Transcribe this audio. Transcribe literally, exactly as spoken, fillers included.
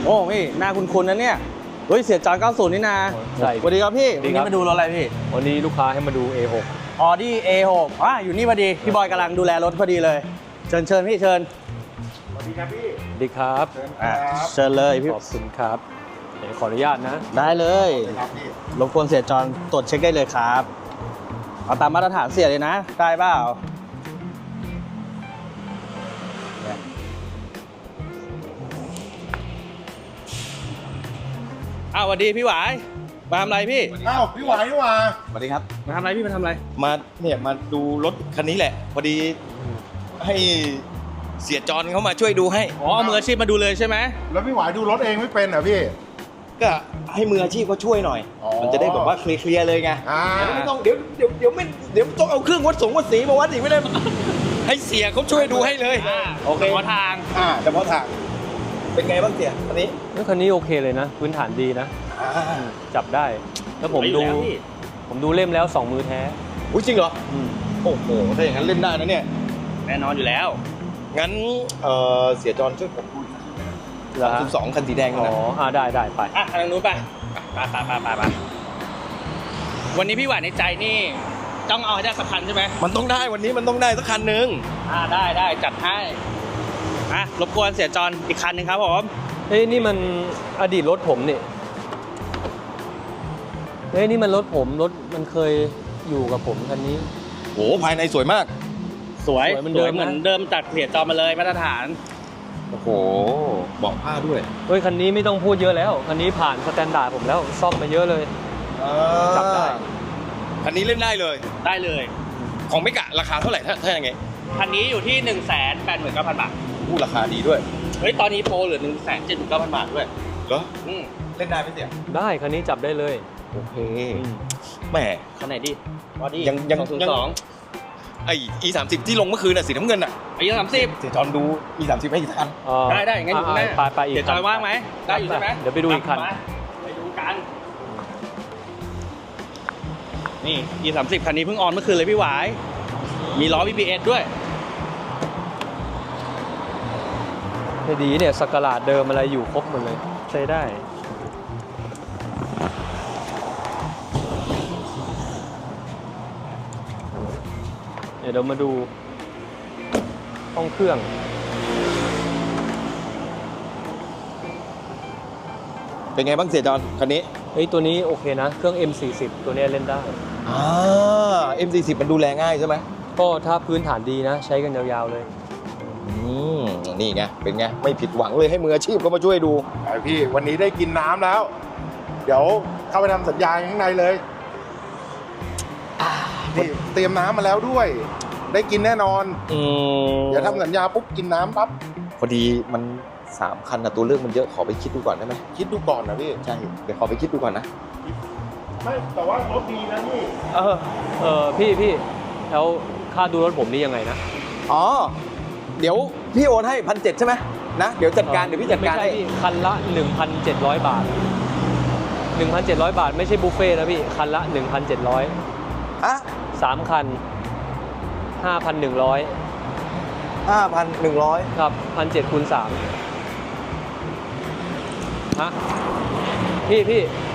โอ้พี่หน้าคุ้นๆนะเนี่ยเฮ้ยเสียจอนเก้าสิบนี่นาสวัสดีครับพี่วันนี้มาดูรถอะไรพี่วันนี้ลูกค้าให้มาดู เอ หก Audi เอ หก อ่ะอยู่นี่พอดีพี่บอยกำลังดูแลรถพอดีเลยเชิญเชิญพี่เชิญสวัสดีครับพี่สวัสดีครับอ่ะเชิญเลยพี่ขอบคุณครับเดี๋ยวขออนุญาตนะได้เลยรบกวนเสียจอนตรวจเช็คได้เลยครับเอาตามมาตรฐานเสียเลยนะได้เปล่าอ้าวสวัสดีพี่หวายมาทำอะไรพี่อ้าวพี่หวายนี่หว่าสวัสดีครับมาทำอะไรพี่มาทำอะไรมาเนี่ยมาดูรถคันนี้แหละพอดีให้เสียจอนเขามาช่วยดูให้อ๋อมืออาชีพมาดูเลยใช่ไหมแล้วพี่หวายดูรถเองไม่เป็นเหรอพี่ก็ให้มืออาชีพเขาช่วยหน่อยมันจะได้แบบว่าเคลียร์เลยไงไม่ต้องเดี๋ยวเดี๋ยวเดี๋ยวไม่เดี๋ยวต้องเอาเครื่องวัดสงวัดสีมาวัดอีกไม่ได้ให้เสียเขาช่วยดูให้เลยโอเคพอทางอ่าเฉพาะทางเป็นไงบ้างเสียคันนี้คันนี้โอเคเลยนะพื้นฐานดีนะจับได้แล้วผมดูผมดูเล่มแล้วสองมือแท้อุ้ยจริงเหรอโอ้โหถ้าอย่างนั้นเล่นได้นะเนี่ยแน่นอนอยู่แล้วงั้นเออเสียจอนช่วยผมดูสามสิบสองคันสีแดงนะอ๋ออ่าได้ได้ไปอ่ะทางนู้นไปไปไปไปไปไปวันนี้พี่หวานในใจนี่ต้องเอาให้ได้สักคันใช่ไหมมันต้องได้วันนี้มันต้องได้สักคันหนึ่งอ่าได้ได้จัดให้อ่ะรบกวนเสียจอนอีกคันหนึ่งครับผมเฮ้ยนี่มันอดีตรถผมนี่เฮ้ยนี่มันรถผมรถมันเคยอยู่กับผมคันนี้โอ้ภายในสวยมากสวยเหมือนเดิมเหมือนเดิมจากเสียจอนมาเลยมาตรฐานโอ้โหเบาะผ้าด้วยเฮ้ยคันนี้ไม่ต้องพูดเยอะแล้วคันนี้ผ่านสแตนดาร์ดผมแล้วซ่อมมาเยอะเลยจับได้คันนี้เล่นได้เลยได้เลยของไม่กะราคาเท่าไหร่ถ้าถ้าอย่างไงคันนี้อยู่ที่หนึ่งแสนแปดหมื่นเก้าพันบาทอู้ราคาดีด้วยเฮ้ยตอนนี้โปรเหลือหนึ่งแสนเจ็ดหมื่นเก้าพันบาทด้วยเหรออืมเล่นได้ไหมเสี่ยได้คันนี้จับได้เลยโอเคแหมคันไหนดีบอดี้ยังยังสองไอ อี สามสิบที่ลงเมื่อคืนน่ะสีน้ำเงินอ่ะไอ้ยี่สามสิบเสียจอนดู อี สามสิบให้กี่ทันได้ได้งั้นอยู่แน่ไปไปอีกเสียจอนว่างไหมได้อยู่ใช่ไหมเดี๋ยวไปดูอีกคันไปดูกันนี่ อี สามสิบคันนี้เพิ่งออนเมื่อคืนเลยพี่หวายมีล้อ บี บี เอส ด้วยไม่ดีเนี่ยสกราดเดิมอะไรอยู่ครบหมดเลยใช้ได้เดี๋ยวเรามาดูห้องเครื่องเป็นไงบ้างเสียจอนคันนี้เฮ้ยตัวนี้โอเคนะเครื่อง เอ็ม สี่สิบ ตัวนี้เล่นได้อ่า เอ็ม สี่สิบ มันดูแลง่ายใช่ไหมก็ถ้าพื้นฐานดีนะใช้กันยาวๆเลยอืมนี่ไงเป็นไงไม่ผิดหวังเลยให้มืออาชีพเขามาช่วยดูไอพี่วันนี้ได้กินน้ำแล้วเดี๋ยวเข้าไปทำสัญญาข้างในเลยนี่เตรียมน้ำมาแล้วด้วยได้กินแน่นอนอืมเดี๋ยวทำสัญญาปุ๊บกินน้ำปั๊บพอดีมันสามคันนะตัวเลือกมันเยอะขอไปคิดดูก่อนได้ไหมคิดดูก่อนนะพี่ใช่เดี๋ยวขอไปคิดดูก่อนนะไม่แต่ว่ารถดีนะพี่เออเออพี่พี่แล้วค่าดูรถผมนี่ยังไงนะอ๋อเดี๋ยวพี่โอนให้พันเจ็ดใช่ไหมนะเดี๋ยวจัดการเดี๋ยวพี่จัดการให้คันละ หนึ่งพันเจ็ดร้อย บาท หนึ่งพันเจ็ดร้อย บาทไม่ใช่บุฟเฟ่นะพี่คันละ หนึ่งพันเจ็ดร้อยอ่ะสามคัน ห้าพันหนึ่งร้อยห้าพันหนึ่งร้อยครับ หนึ่งพันเจ็ดร้อย คูณสามฮะพี่พี่